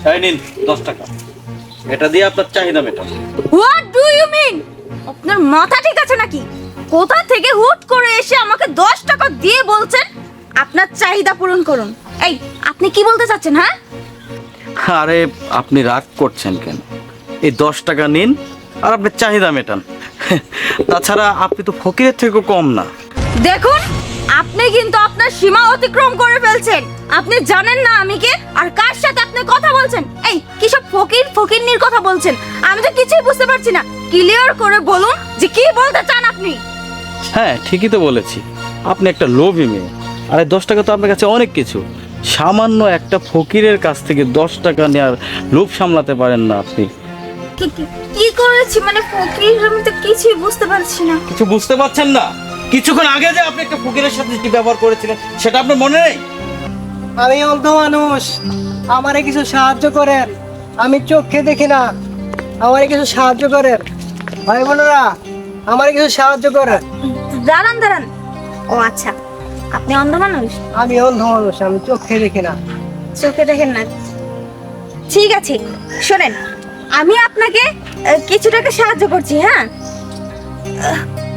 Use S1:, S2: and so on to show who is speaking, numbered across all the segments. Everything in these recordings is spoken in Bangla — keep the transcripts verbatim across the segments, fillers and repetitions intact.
S1: এই নিন দশ টাকা, এটা দিয়ে আপনার চাহিদা মেটান।
S2: What do you mean? আপনার মাথা ঠিক আছে নাকি? কোথা থেকে হুট করে এসে আমাকে দশ টাকা দিয়ে বলছেন আপনার চাহিদা পূরণ করুন? এই আপনি কি বলতে চাচ্ছেন? হ্যাঁ,
S1: আরে আপনি রাগ করছেন কেন? এই দশ টাকা নিন আর আপনার চাহিদা মেটান। তাছাড়া আপনি তো ফকিরের থেকেও কম না।
S2: দেখুন আপনি কিন্তু আপনার সীমা অতিক্রম করে ফেলছেন। আপনি জানেন না আমি কে আর কার সাথে আপনি কথা বলছেন। এই কি সব ফকির ফকিরনির কথা বলছেন? আমি তো কিছুই বুঝতে পারছি না। ক্লিয়ার করে বলুন যে কি বলতে চান আপনি।
S1: হ্যাঁ ঠিকই তো বলেছি, আপনি একটা লোভী মেয়ে। আরে দশ টাকা তো আপনার কাছে অনেক কিছু। সামান্য একটা ফকিরের কাছ থেকে দশ টাকা নেওয়ার লোভ সামলাতে পারেন না আপনি।
S2: কি- কি- কি করেছি মানে ফকির? আমি তো কিছুই বুঝতে পারছি না।
S1: কিছু বুঝতে পারছেন না? কিছুক্ষণ আগে যে আপনি একটা ফকিরের সাথে কি ব্যবহার করেছিলেন সেটা আপনার মনে নেই?
S3: আমি অন্ধ মানুষ, আমারে কিছু সাহায্য করেন। আমি চোখে দেখি না, আমারে কিছু সাহায্য করেন। ভাই বোনেরা, আমারে কিছু সাহায্য করেন।
S2: দাঁড়ান দাঁড়ান। ও আচ্ছা, আপনি অন্ধ মানুষ,
S3: আমি অন্ধ মানুষ, আমি চোখে দেখি না।
S2: চোখে দেখেন না। ঠিক আছে শোনেন, আমি আপনাকে আহ, কিছু টাকা সাহায্য করছি। হ্যাঁ, আহ,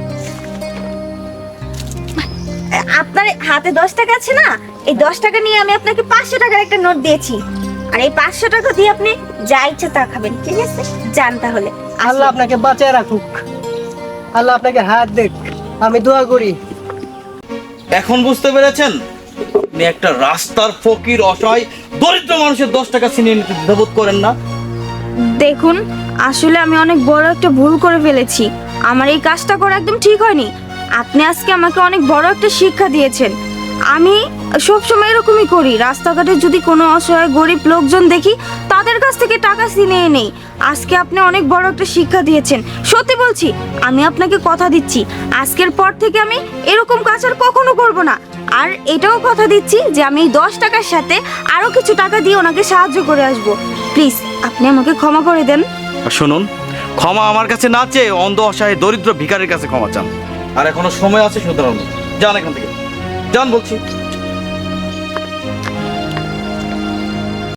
S2: আপনার হাতে দশ টাকা আছে না? এই দশ টাকা নিয়ে আমি আপনাকে পাঁচশো টাকার একটা নোট দিয়েছি। আর এই পাঁচশো টাকা দিয়ে আপনি যা ইচ্ছা তা খাবেন, ঠিক আছে? যান তাহলে।
S3: আল্লাহ আপনাকে বাঁচায় রাখুক, আল্লাহ আপনাকে হাত দেখ, আমি দোয়া করি।
S1: এখন বুঝতে পেরেছেন? আপনি একটা রাস্তার ফকির, অসহায় দরিদ্র মানুষের দশ টাকা ছিনিয়ে নিতে দ্বিধাবোধ করেন না।
S2: দেখুন আসলে আমি অনেক বড় একটা ভুল করে ফেলেছি। আমার এই কাজটা করা একদম ঠিক হয়নি। আপনি আজকে আমাকে অনেক বড় একটা শিক্ষা দিয়েছেন। আমি সবসময় এরকমই করি, রাস্তাঘাটে যদি কোনো অসহায় গরিব লোকজন দেখি তাদের কাছ থেকে টাকা ছিনিয়ে নেই। আজকে আপনি অনেক বড় একটা শিক্ষা দিয়েছেন, সত্যি বলছি। আমি আপনাকে কথা দিচ্ছি আজকের পর থেকে আমি এরকম কাজ আর কখনো করব না। আর এটাও কথা দিচ্ছি যে আমি এই দশ টাকার সাথে আরও কিছু টাকা দিয়ে ওনাকে সাহায্য করে আসবো। প্লিজ আপনি আমাকে ক্ষমা করে দেন।
S1: আর শুনুন, ক্ষমা আমার কাছে না চেয়ে অন্ধ, অসহায়, দরিদ্র ভিখারির কাছে ক্ষমা চান। আর এখনো সময় আছে, সুতরাং যান এখান থেকে, যান বলছি।